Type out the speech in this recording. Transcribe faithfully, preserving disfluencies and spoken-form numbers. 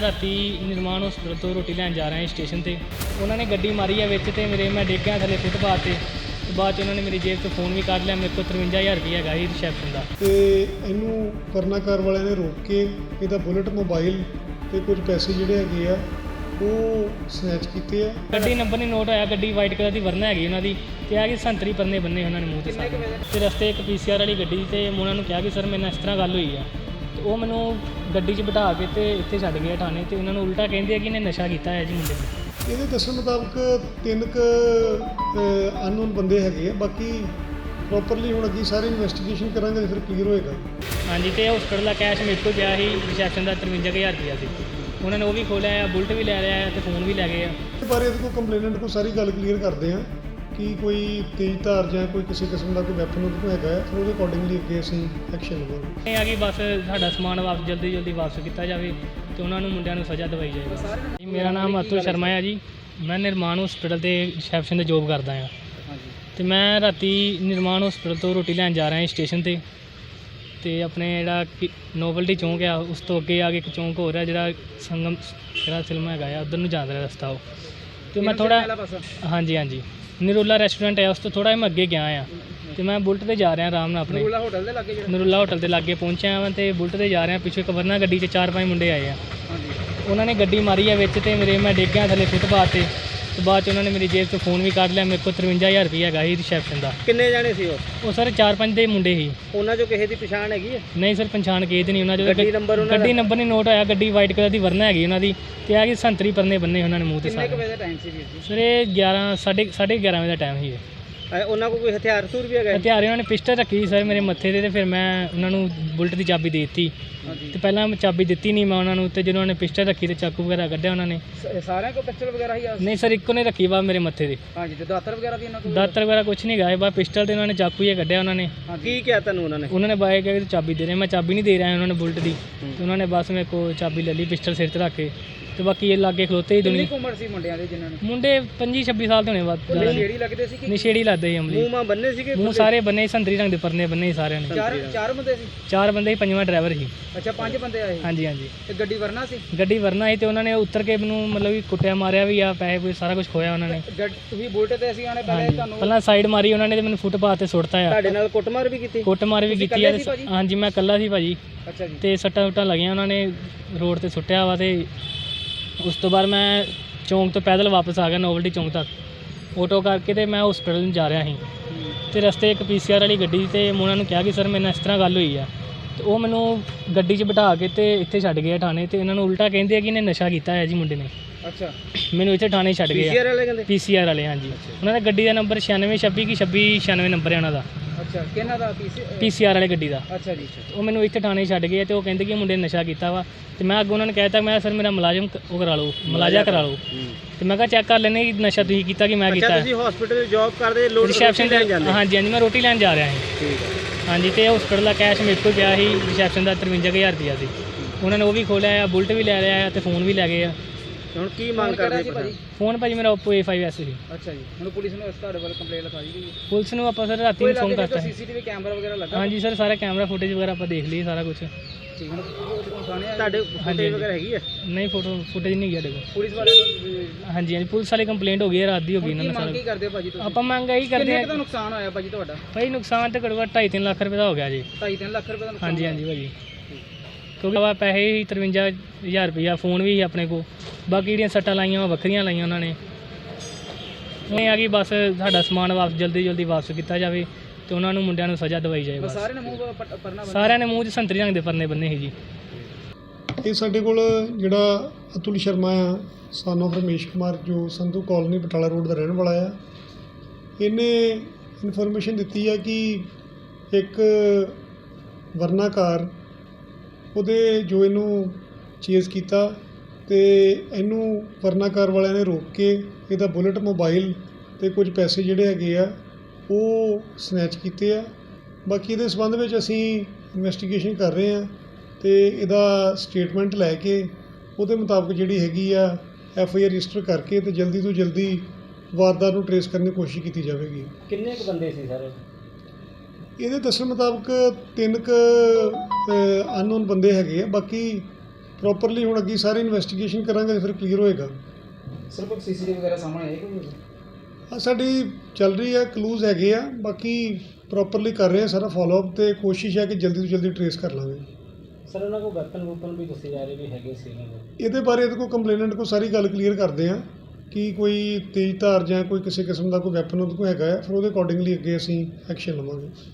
राती निर्माण हॉस्पिटल तो रोटी लैन जा रहा है स्टेशन ਤੇ ਉਹਨਾਂ ਨੇ ਗੱਡੀ ਮਾਰੀ ਹੈ ਵਿੱਚ ਤੇ ਮੇਰੇ ਮੈਂ ਡਿੱਗ ਗਿਆ ਥੱਲੇ ਫੁੱਟਪਾਥ ਤੇ ਤੇ ਬਾਅਦ ਚ ਉਹਨਾਂ ਨੇ ਮੇਰੀ ਜੇਬ ਤੋਂ ਫੋਨ ਵੀ ਕੱਢ ਲਿਆ। ਮੇਰੇ ਕੋਲ ਤਰਵੰਜਾ ਹਜ਼ਾਰ ਰੁਪਏ ਹੈਗਾ ਸੀ ਰਿਸੈਪਸ਼ਨ ਦਾ ਤੇ ਇਹਨੂੰ ਕਰਨਾਕਾਰ ਵਾਲਿਆਂ ਨੇ ਰੋਕ ਕੇ ਇਹਦਾ ਬੁਲਟ ਮੋਬਾਈਲ ਤੇ ਕੁਝ ਪੈਸੇ ਜਿਹੜੇ ਹੈਗੇ ਆ ਉਹ ਸਨੈਚ ਕੀਤੇ ਆ। ਗੱਡੀ ਨੰਬਰ ਨਹੀਂ ਨੋਟ ਹੋਇਆ, ਗੱਡੀ ਵਾਈਟ ਕਲਰ ਦੀ ਵਰਨਾ ਹੈਗੀ ਉਹਨਾਂ ਦੀ ਤੇ ਆ ਕਿ ਸੰਤਰੀ ਪੰਨੇ ਬੰਨੇ ਉਹਨਾਂ ਨੇ ਮੂੰਹ ਤੇ ਸਾਰੇ ਤੇ ਰਸਤੇ ਇੱਕ ਪੀਸੀਆਰ ਵਾਲੀ ਗੱਡੀ ਤੇ ਮੈਂ ਉਹਨਾਂ ਨੂੰ ਕਿਹਾ ਕਿ ਸਰ ਮੇਰੇ ਨਾਲ ਇਸ ਤਰ੍ਹਾਂ ਗੱਲ ਹੋਈ ਆ ਤੇ ਉਹ ਮੈਨੂੰ ਗੱਡੀ 'ਚ ਬਿਠਾ ਕੇ ਤੇ ਇੱਥੇ ਛੱਡ ਗਏ ਥਾਣੇ ਤੇ ਉਹਨਾਂ ਨੂੰ ਉਲਟਾ ਕਹਿੰਦੇ ਆ ਕਿ ਇਹਨੇ ਨਸ਼ਾ ਕੀਤਾ ਹੈ ਜੀ ਮੁੰਡੇ ਨੇ। ਇਹਦੇ ਦੱਸਣ ਮੁਤਾਬਕ ਤਿੰਨ ਕੁ ਅਨਨੋਨ ਬੰਦੇ ਹੈਗੇ ਆ। ਬਾਕੀ ਪ੍ਰੋਪਰਲੀ ਹੁਣ ਅੱਗੇ ਸਾਰੇ ਇਨਵੈਸਟੀਗੇਸ਼ਨ ਕਰਾਂਗੇ ਤੇ ਫਿਰ ਕਲੀਅਰ ਹੋਏਗਾ। ਹਾਂਜੀ ਤੇ ਹਸਪਤਾਲ ਦਾ ਕੈਸ਼ ਮੇਰੇ ਕੋਲ ਪਿਆ ਸੀ ਰਿਸੈਪਸ਼ਨ ਦਾ ਤਰਵੰਜਾ ਕੁ ਹਜ਼ਾਰ ਰੁਪਇਆ ਸੀ। ਉਹਨਾਂ ਨੇ ਉਹ ਵੀ ਖੋਲਿਆ, ਬੁਲਟ ਵੀ ਲੈ ਲਿਆ ਤੇ ਫੋਨ ਵੀ ਲੈ ਗਏ ਆ। ਇਸ ਬਾਰੇ ਇਹਦੇ ਕੋਲ ਕੰਪਲੇਨੈਂਟ ਕੋਲ ਸਾਰੀ ਗੱਲ ਕਲੀਅਰ ਕਰਦੇ ਆ ਕਿ ਕੋਈ ਤੇਜ਼ ਧਾਰ ਜਾਂ ਕੋਈ ਕਿਸੇ ਕਿਸਮ ਦਾ ਕੋਈ ਵੈਪਨ ਉਹਦੇ ਕੋਲ ਹੈਗਾ ਹੈ, ਫਿਰ ਉਹਦੇ ਅਕੋਰਡਿੰਗਲੀ ਅੱਗੇ ਅਸੀਂ ਐਕਸ਼ਨ ਲਵਾਂਗੇ। ਇਹ ਆ ਕਿ ਬਸ ਸਾਡਾ ਸਮਾਨ ਵਾਪਸ ਜਲਦੀ ਜਲਦੀ ਵਾਪਸ ਕੀਤਾ ਜਾਵੇ ਤੇ ਉਹਨਾਂ ਨੂੰ ਮੁੰਡਿਆਂ ਨੂੰ ਸਜ਼ਾ ਦਿਵਾਈ ਜਾਵੇ। ਜੀ ਮੇਰਾ ਨਾਮ ਅਤੁਲ ਸ਼ਰਮਾ ਹੈ ਜੀ, ਮੈਂ ਨਿਰਮਾਣ ਹਸਪੀਟਲ ਤੇ ਰਿਸੈਪਸ਼ਨ ਤੇ ਜੋਬ ਕਰਦਾ ਹਾਂ ਤੇ ਮੈਂ ਰਾਤੀ ਨਿਰਮਾਣ ਹਸਪੀਟਲ ਤੋਂ ਰੋਟੀ ਲੈਣ ਜਾ ਰਿਹਾ ਸਟੇਸ਼ਨ ਤੇ ਤੇ ਆਪਣੇ ਜਿਹੜਾ ਨੋਵਲਟੀ ਚੌਂਕ ਆ ਉਸ ਤੋਂ ਅੱਗੇ ਆ ਕੇ ਇੱਕ ਚੌਂਕ ਹੋਰ ਹੈ ਜਿਹੜਾ ਸੰਗਮ ਜਿਹੜਾ ਫਿਲਮ ਹੈਗਾ ਆ ਉੱਧਰ ਨੂੰ ਜਾਂਦਾ ਰਸਤਾ ਉਹ ਤੇ ਮੈਂ ਥੋੜ੍ਹਾ ਹਾਂਜੀ ਹਾਂਜੀ ਨਰੂਲਾ ਰੈਸਟੋਰੈਂਟ ਹੈ ਉਸ ਤੋਂ ਥੋੜ੍ਹਾ ਮੈਂ ਅੱਗੇ ਗਿਆ ਆ ਤੇ ਮੈਂ ਬੁਲਟ ਤੇ ਜਾ ਰਿਹਾ ਆਰਾਮ ਨਾਲ ਆਪਣੇ ਨਰੂਲਾ ਹੋਟਲ ਦੇ ਲਾਗੇ ਨਰੂਲਾ ਹੋਟਲ ਦੇ ਲਾਗੇ ਪਹੁੰਚਿਆ ਵਾਂ ਤੇ ਬੁਲਟ ਤੇ ਜਾ ਰਿਹਾ। ਪਿੱਛੇ ਇੱਕ ਵਰਨਾ ਗੱਡੀ 'ਚ ਚਾਰ ਪੰਜ ਮੁੰਡੇ ਆਏ ਆ। ਉਹਨਾਂ ਨੇ ਗੱਡੀ ਮਾਰੀ ਹੈ ਵਿੱਚ ਤੇ ਮੇਰੇ ਮੈਂ ਡਿੱਗ ਗਿਆ ਥੱਲੇ ਫੁੱਟਪਾਥ ਤੇ ਤੇ ਬਾਅਦ ਚ ਉਹਨਾਂ ਨੇ ਮੇਰੀ ਜੇਬ ਤੋਂ ਫੋਨ ਵੀ ਕੱਢ ਲਿਆ। ਮੇਰੇ ਕੋਲ ਤਰਵੰਜਾ ਹਜ਼ਾਰ ਰੁਪਏ ਹੈਗਾ ਸੀ ਰਿਸੈਪਸ਼ਨ ਦਾ। ਕਿੰਨੇ ਜਾਣੇ ਸੀ ਉਹ? ਉਹ ਸਰ ਚਾਰ ਪੰਜ ਦੇ ਮੁੰਡੇ ਸੀ। ਉਹਨਾਂ ਚੋਂ ਕਿਸੇ ਦੀ ਪਛਾਣ ਹੈਗੀ ਹੈ? ਨਹੀਂ ਸਰ ਪਛਾਣ ਕਿਸੇ ਦੀ ਨਹੀਂ। ਉਹਨਾਂ ਗੱਡੀ ਨੰਬਰ ਉਹਨਾਂ ਗੱਡੀ ਨੰਬਰ ਨਹੀਂ ਨੋਟ ਹੋਇਆ, ਗੱਡੀ ਵਾਈਟ ਕਲਰ ਦੀ ਵਰਨਾ ਹੈਗੀ ਉਹਨਾਂ ਦੀ ਤੇ ਆ ਕਿ ਸੰਤਰੀ ਪੰਨੇ ਬੰਨੇ ਉਹਨਾਂ ਨੇ ਮੂੰਹ ਤੇ ਸਾਰੇ। ਕਿੰਨੇ ਕੁ ਵਜੇ ਦਾ ਟਾਈਮ ਸੀ ਵੀਰ ਜੀ? ਸਰ ਇਹ ਗਿਆਰਾਂ ਸਾਢੇ ਸਾਢੇ ਗਿਆਰਾਂ ਵਜੇ ਦਾ ਟਾਈਮ ਸੀ। ਉਹਨਾਂ ਕੋਲ ਕੋਈ ਹਥਿਆਰ ਹਥੂਰ ਵੀ ਹੈਗਾ? ਹਥਿਆਰ ਉਹਨਾਂ ਨੇ ਪਿਸਟਲ ਰੱਖੀ ਸੀ ਸਰ ਮੇਰੇ ਮੱਥੇ ਤੇ ਤੇ ਫਿਰ ਮੈਂ ਉਹਨਾਂ ਨੂੰ ਬੁਲਟ ਦੀ ਚਾਬੀ ਦੇ ਦਿੱਤੀ ਤੇ ਪਹਿਲਾਂ ਮੈਂ ਚਾਬੀ ਦਿੱਤੀ ਨਹੀਂ ਮੈਂ ਉਹਨਾਂ ਨੂੰ ਤੇ ਜਦੋਂ ਉਹਨਾਂ ਨੇ ਪਿਸਟਲ ਰੱਖੀ ਤੇ ਚਾਕੂ ਵਗੈਰਾ ਕੱਢਿਆ ਉਹਨਾਂ ਨੇ। ਸਾਰਿਆਂ ਕੋਲ ਪਿਸਟਲ ਵਗੈਰਾ ਹੀ ਆ? ਨਹੀਂ ਸਰ ਇੱਕੋ ਨੇ ਰੱਖੀ ਵਾ ਮੇਰੇ ਮੱਥੇ ਤੇ। ਹਾਂਜੀ ਤੇ ਦਾਤਰ ਵਗੈਰਾ ਵੀ ਇਹਨਾਂ ਕੋਲ? ਦਾਤਰ ਵਗੈਰਾ ਕੁਛ ਨਹੀਂ ਗਾਏ, ਬਸ ਪਿਸਟਲ ਤੇ ਉਹਨਾਂ ਨੇ ਚਾਕੂ ਹੀ ਕੱਢਿਆ ਉਹਨਾਂ ਨੇ। ਕੀ ਕਿਹਾ ਤੁਹਾਨੂੰ ਉਹਨਾਂ ਨੇ? ਉਹਨਾਂ ਨੇ ਬਾਏ ਕਿਹਾ ਕਿ ਚਾਬੀ ਦੇ ਰਹੇ, ਮੈਂ ਚਾਬੀ ਨਹੀਂ ਦੇ ਰਿਹਾ ਉਹਨਾਂ ਨੇ ਬੁਲਟ ਦੀ ਤੇ ਉਹਨਾਂ ਨੇ ਬਸ ਮੇਰੇ ਕੋਲ ਚਾਬੀ ਲੈ ਲਈ ਪਿਸਟਲ ਸਿਰ ਤੇ ਰੱਖ ਕੇ ਤੇ ਬਾਕੀ ਇਹ ਲਾਗੇ ਖਲੋਤੇ ਹੀ ਦੁਨੀਆ। ਕਿੰਨੀ ਉਮਰ ਸੀ ਮੁੰਡਿਆਂ ਦੇ ਜਿਨ੍ਹਾਂ ਨੇ? ਮੁੰਡੇ ਪੰਜੀ ਛੱਬੀ ਸਾਲ ਦੇ ਹੋਣੇ ਬਾਅਦ। ਨਸ਼ੇੜੀ ਲੱਗਦੇ ਸੀ ਕਿ ਨਸ਼ੇੜੀ ਲੱਗਦੇ ਸੀ ਅਮਲੀ। ਮੂੰਹ ਮਾਂ ਬੰਨੇ ਸੀਗੇ? ਮੂੰਹ ਸਾਰੇ ਬੰਨੇ ਸੰਤਰੀ ਰੰਗ ਦੇ ਪਰਨੇ ਬੰਨੇ ਸੀ ਸਾਰਿਆਂ ਨੇ। ਚਾਰ ਚਾਰ ਬੰਦੇ ਸੀ? ਚਾਰ ਬੰਦੇ ਸੀ, ਪੰਜਵਾਂ ਡਰਾਈਵਰ ਸੀ। ਅੱਛਾ ਪੰਜ ਬੰਦੇ ਆਏ? ਹਾਂਜੀ ਹਾਂਜੀ। ਤੇ ਗੱਡੀ ਵਰਨਾ ਸੀ? ਗੱਡੀ ਵਰਨਾ ਸੀ ਤੇ ਉਹਨਾਂ ਨੇ ਉੱਤਰ ਕੇ ਮੈਨੂੰ ਮਤਲਬ ਕਿ ਕੁੱਟਿਆ ਮਾਰਿਆ ਵੀ ਆ, ਪੈਸੇ ਪੂਸੇ ਸਾਰਾ ਕੁਝ ਖੋਇਆ ਉਹਨਾਂ ਨੇ। ਤੁਸੀਂ ਬੁਲਟ ਤੇ ਅਸੀਂ ਆਣੇ ਪਹਿਲੇ ਤੁਹਾਨੂੰ? ਪਹਿਲਾਂ ਸਾਈਡ ਮਾਰੀ ਉਹਨਾਂ ਨੇ ਤੇ ਮੈਨੂੰ ਫੁੱਟਪਾਥ ਤੇ ਸੁੱਟਤਾ ਆ। ਤੁਹਾਡੇ ਨਾਲ ਕੁੱਟਮਾਰ ਵੀ ਕੀਤੀ? ਕੁੱਟਮਾਰ ਵੀ ਕੀਤੀ ਆ। ਹਾਂਜੀ ਮੈਂ ਇਕੱਲਾ ਸੀ ਭਾਜੀ। ਅੱਛਾ ਜੀ। ਤੇ ਸੱਟਾਂ ਸੁੱਟਾਂ ਲੱਗੀਆਂ ਉਹਨਾਂ ਨੇ ਰੋਡ ਤੇ ਸੁੱਟਿਆ ਵਾ ਤੇ ਉਸ ਤੋਂ ਬਾਅਦ ਮੈਂ ਚੌਂਕ ਤੋਂ ਪੈਦਲ ਵਾਪਸ ਆ ਗਿਆ ਨੋਵਲਟੀ ਚੌਂਕ ਤੱਕ ਆਟੋ ਕਰਕੇ ਤੇ ਮੈਂ ਹਸਪੀਟਲ ਨੂੰ ਜਾ ਰਿਹਾ ਸੀ ਤੇ ਰਸਤੇ ਇੱਕ ਪੀਸੀਆਰ ਵਾਲੀ ਗੱਡੀ ਤੇ ਮੈਂ ਉਹਨਾਂ ਨੂੰ ਕਿਹਾ ਕਿ ਸਰ ਮੇਰੇ ਨਾਲ ਇਸ ਤਰ੍ਹਾਂ ਗੱਲ ਹੋਈ ਆ ਤੇ ਉਹ ਮੈਨੂੰ ਗੱਡੀ 'ਚ ਬਿਠਾ ਕੇ ਤੇ ਇੱਥੇ ਛੱਡ ਗਏ ਥਾਣੇ ਤੇ ਇਹਨਾਂ ਨੂੰ ਉਲਟਾ ਕਹਿੰਦੇ ਆ ਕਿ ਇਹਨੇ ਨਸ਼ਾ ਕੀਤਾ ਹੈ ਜੀ ਮੁੰਡੇ ਨੇ। ਅੱਛਾ ਮੈਨੂੰ ਇੱਥੇ ਥਾਣੇ ਛੱਡ ਗਏ। ਪੀਸੀਆਰ ਵਾਲੇ ਕਹਿੰਦੇ? ਪੀਸੀਆਰ ਵਾਲੇ ਹਾਂਜੀ। ਉਹਨਾਂ ਦਾ ਗੱਡੀ ਦਾ ਨੰਬਰ ਛਿਆਨਵੇਂ ਛੱਬੀ ਕਿ ਛੱਬੀ ਛਿਆਨਵੇਂ ਨੰਬਰ ਹੈ ਉਹਨਾਂ ਦਾ। ਅੱਛਾ ਕਿਹਨਾਂ ਦਾ? ਪੀਸੀਆਰ ਵਾਲੇ ਗੱਡੀ ਦਾ। ਅੱਛਾ ਜੀ। ਉਹ ਮੈਨੂੰ ਇੱਥੇ ਥਾਣੇ ਛੱਡ ਗਏ ਤੇ ਉਹ ਕਹਿੰਦੇ ਕਿ ਮੁੰਡੇ ਨੇ ਨਸ਼ਾ ਕੀਤਾ ਵਾ ਤੇ ਮੈਂ ਅੱਗੇ ਉਹਨਾਂ ਨੇ ਕਹਿਤਾ ਮੈਂ ਸਰ ਮੇਰਾ ਮੁਲਾਜ਼ਮ ਉਹ ਕਰਾ ਲਓ, ਮੁਲਾਜ਼ਾ ਕਰਾ ਲਓ ਤੇ ਮੈਂ ਕਿਹਾ ਚੈੱਕ ਕਰ ਲੈਣੇ ਕਿ ਨਸ਼ਾ ਤੁਸੀਂ ਕੀਤਾ ਕਿ ਮੈਂ ਕੀਤਾ। ਤੁਸੀਂ ਹਸਪੀਟਲ ਜੌਬ ਕਰਦੇ ਲੋਡ ਰਿਸੈਪਸ਼ਨ ਤੇ? ਹਾਂਜੀ ਹਾਂਜੀ ਮੈਂ ਰੋਟੀ ਲੈਣ ਜਾ ਰਿਹਾ ਸੀ। ਠੀਕ ਹੈ। ਹਾਂਜੀ ਤੇ ਹਸਪੀਟਲ ਦਾ ਕੈਸ਼ ਮੇਰੇ ਕੋਲ ਪਿਆ ਸੀ ਰਿਸੈਪਸ਼ਨ ਦਾ ਤਰਵੰਜਾ ਕੁ ਹਜ਼ਾਰ ਰੁਪਇਆ ਸੀ। ਉਹਨਾਂ ਨੇ ਉਹ ਵੀ ਖੋਲਿਆ, ਬੁਲਟ ਵੀ ਲੈ ਲਿਆ ਤੇ ਫੋਨ ਵੀ ਲੈ ਗਏ ਆ। ਹੁਣ ਕੀ ਮੰਗ ਕਰਦੇ ਭਾਜੀ? ਫੋਨ ਭਾਜੀ ਮੇਰਾ Oppo A five S C. ਅੱਛਾ ਜੀ। ਹੁਣ ਪੁਲਿਸ ਨੂੰ ਇਸ ਤੁਹਾਡੇ ਵੱਲ ਕੰਪਲੇਂਟ ਲਿਖਾਈ ਗਈ? ਪੁਲਿਸ ਨੂੰ ਆਪਾਂ ਸਰ ਰਾਤੀ ਨੂੰ ਫੋਨ ਕਰਤਾ। ਸੀਸੀਟੀਵੀ ਕੈਮਰਾ ਵਗੈਰਾ ਲੱਗਾ? ਹਾਂਜੀ ਸਰ ਸਾਰਾ ਕੈਮਰਾ ਫੁਟੇਜ ਵਗੈਰਾ ਆਪਾਂ ਦੇਖ ਲਈ ਸਾਰਾ ਕੁਝ। ਠੀਕ ਹੁਣ ਤੁਹਾਡੇ ਫੁਟੇਜ ਵਗੈਰਾ ਹੈਗੀ ਹੈ? ਨਹੀਂ ਫੋਟੋ ਫੁਟੇਜ ਨਹੀਂ ਗਿਆ ਦੇਖੋ। ਪੁਲਿਸ ਵਾਲੇ ਹਾਂਜੀ ਹਾਂਜੀ ਪੁਲਿਸ ਵਾਲੇ ਕੰਪਲੇਂਟ ਹੋ ਗਈ ਹੈ, ਰਾਤ ਦੀ ਹੋ ਗਈ ਇਹਨਾਂ ਨਾਲ। ਕੀ ਕਰਦੇ ਭਾਜੀ ਤੁਸੀਂ? ਆਪਾਂ ਮੰਗ ਇਹੀ ਕਰਦੇ ਕਿੰਨੇ ਦਾ ਨੁਕਸਾਨ ਹੋਇਆ ਭਾਜੀ ਤੁਹਾਡਾ? ਭਾਈ ਨੁਕਸਾਨ ਤੇ ਘੱਟੋ ਘੱਟ ਢਾਈ ਤਿੰਨ ਲੱਖ ਰੁਪਏ ਦਾ ਹੋ ਗਿਆ ਜੀ। ਢਾਈ ਤਿੰਨ ਲੱਖ ਰੁਪਏ ਦਾ ਨੁਕਸਾਨ? ਹਾਂਜੀ ਹਾਂਜੀ ਭਾਜੀ। ਕਿਉਂਕਿ ਆਵਾ ਪੈਸੇ ਹੀ ਤਰਵੰਜਾ ਹਜ਼ਾਰ ਰੁਪਈਆ, ਫੋਨ ਵੀ ਆਪਣੇ ਕੋਲ, ਬਾਕੀ ਜਿਹੜੀਆਂ ਸੱਟਾਂ ਲਾਈਆਂ ਉਹ ਵੱਖਰੀਆਂ ਲਾਈਆਂ ਉਹਨਾਂ ਨੇ। ਇਹ ਆ ਕਿ ਬਸ ਸਾਡਾ ਸਮਾਨ ਵਾਪਸ ਜਲਦੀ ਜਲਦੀ ਵਾਪਸ ਕੀਤਾ ਜਾਵੇ ਤੇ ਉਹਨਾਂ ਨੂੰ ਮੁੰਡਿਆਂ ਨੂੰ ਸਜ਼ਾ ਦਿਵਾਈ ਜਾਏ। ਬਸ ਸਾਰਿਆਂ ਨੇ ਮੂੰਹ ਪਰਨਾ ਸਾਰਿਆਂ ਨੇ ਮੂੰਹ 'ਚ ਸੰਤਰੀ ਰੰਗ ਦੇ ਪਰਨੇ ਬੰਨੇ ਸੀ ਜੀ। ਇਹ ਸਾਡੇ ਕੋਲ ਜਿਹੜਾ ਅਤੁਲ ਸ਼ਰਮਾ ਆ ਸਨ ਆਫ ਰਮੇਸ਼ ਕੁਮਾਰ ਜੋ ਸੰਧੂ ਕਾਲੋਨੀ ਬਟਾਲਾ ਰੋਡ ਦਾ ਰਹਿਣ ਵਾਲਾ ਆ, ਇਹਨੇ ਇਨਫੋਰਮੇਸ਼ਨ ਦਿੱਤੀ ਆ ਕਿ ਇੱਕ ਵਰਨਾ ਕਾਰ ਉਹਦੇ ਜੋ ਇਹਨੂੰ ਚੇਜ਼ ਕੀਤਾ ਤੇ ਇਹਨੂੰ ਵਰਨਾ ਕਾਰ ਵਾਲਿਆਂ ਨੇ ਰੋਕ ਕੇ ਇਹਦਾ ਬੁਲਟ ਮੋਬਾਈਲ ਤੇ ਕੁਝ ਪੈਸੇ ਜਿਹੜੇ ਹੈਗੇ ਆ ਉਹ ਸਨੈਚ ਕੀਤੇ ਆ। ਬਾਕੀ ਇਹਦੇ ਸੰਬੰਧ ਵਿੱਚ ਅਸੀਂ ਇਨਵੈਸਟੀਗੇਸ਼ਨ ਕਰ ਰਹੇ ਹਾਂ ਤੇ ਇਹਦਾ ਸਟੇਟਮੈਂਟ ਲੈ ਕੇ ਉਹਦੇ ਮੁਤਾਬਕ ਜਿਹੜੀ ਹੈਗੀ ਆ ਐਫ ਆਈ ਆਰ ਰਜਿਸਟਰ ਕਰਕੇ ਤੇ ਜਲਦੀ ਤੋਂ ਜਲਦੀ ਵਾਰਦਾਤ ਨੂੰ ਟਰੇਸ ਕਰਨ ਦੀ ਕੋਸ਼ਿਸ਼ ਕੀਤੀ ਜਾਵੇਗੀ। ਕਿੰਨੇ ਕੁ ਬੰਦੇ ਸੀ ਸਰ? ਇਹਦੇ ਦੱਸਣ ਮੁਤਾਬਕ ਤਿੰਨ ਕੁ ਅਨਨੋਨ ਬੰਦੇ ਹੈਗੇ ਆ। ਬਾਕੀ ਪ੍ਰੋਪਰਲੀ ਹੁਣ ਅੱਗੇ ਸਾਰੇ ਇਨਵੈਸਟੀਗੇਸ਼ਨ ਕਰਾਂਗੇ ਫਿਰ ਕਲੀਅਰ ਹੋਏਗਾ। ਸਰ ਕੋਈ ਸੀਸੀਟੀਵੀ ਵਗੈਰਾ ਸਾਹਮਣੇ ਆਏ ਕੋਈ? ਆ ਸਾਡੀ ਚੱਲ ਰਹੀ ਹੈ, ਕਲੂਜ਼ ਹੈਗੇ ਆ, ਬਾਕੀ ਪ੍ਰੋਪਰਲੀ ਕਰ ਰਹੇ ਆ ਸਾਰਾ ਫੋਲੋਅਪ ਅਤੇ ਕੋਸ਼ਿਸ਼ ਹੈ ਕਿ ਜਲਦੀ ਤੋਂ ਜਲਦੀ ਟਰੇਸ ਕਰ ਲਾਂਗੇ। ਸਰ ਉਹਨਾਂ ਕੋਲ ਵੈਪਨ ਵੂਪਨ ਵੀ ਦੱਸੇ ਜਾ ਰਹੇ ਵੀ ਹੈਗੇ ਸੀ ਇਹਨਾਂ ਕੋਲ। ਇਹਦੇ ਬਾਰੇ ਇਹਦੇ ਕੋਲ ਕੰਪਲੇਨੈਂਟ ਕੋਲ ਸਾਰੀ ਗੱਲ ਕਲੀਅਰ ਕਰਦੇ ਆ ਕਿ ਕੋਈ ਤੇਜ਼ ਧਾਰ ਜਾਂ ਕੋਈ ਕਿਸੇ ਕਿਸਮ ਦਾ ਕੋਈ ਵੈਪਨ ਉਹਦੇ ਕੋਲ ਹੈਗਾ ਆ, ਫਿਰ ਉਹਦੇ ਅਕੋਰਡਿੰਗਲੀ ਅੱਗੇ ਅਸੀਂ ਐਕਸ਼ਨ ਲਵਾਂਗੇ।